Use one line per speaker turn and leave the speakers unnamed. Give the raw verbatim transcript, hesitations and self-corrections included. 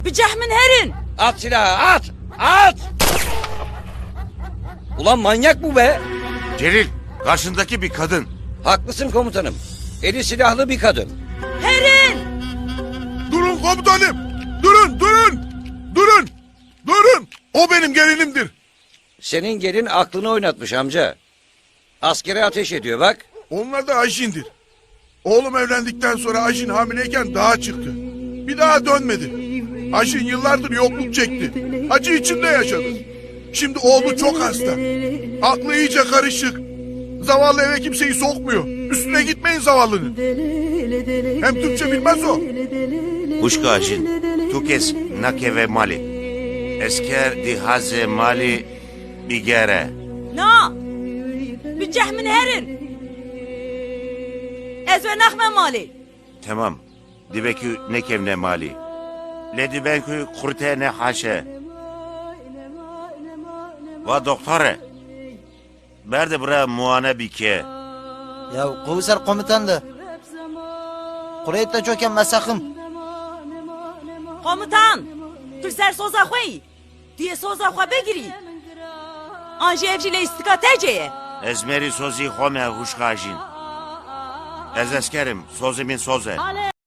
Bir cehmin herin.
At silahı at! At! Ulan manyak bu be!
Celil, karşındaki bir kadın.
Haklısın komutanım. Eli silahlı bir kadın.
Herin.
Durun komutanım! Durun, durun! Durun! Durun! O benim gelinimdir.
Senin gelin aklını oynatmış amca. Askere ateş ediyor bak.
Onlar da Ayşin'dir. Oğlum evlendikten sonra Ayşin hamileyken dağa çıktı. Bir daha dönmedi. Ayşin yıllardır yokluk çekti. Acı içinde yaşadı. Şimdi oğlu çok hasta. Aklı iyice karışık. Zavallı eve kimseyi sokmuyor. Üstüne gitmeyin zavallının. Hem Türkçe bilmez o.
Uşkajin, tukes nakeve mali. Esker dihaze mali bigere.
Na. Bir cehmin herin. Ez ve nakme mali.
Tamam. Dibekü nekevne mali. Ledi benkü kurte ne haşe. Va doktore. Berde bura muane bike.
Ya komiser komutandı. Kureyette çöken mesakım.
Komutan. Tu ser soza khoyi. Diye soza khwa begiri. Anje evcile istikat eceye.
Ezmeri sozi home huşkajin. Ez eskerim, sozimin soze.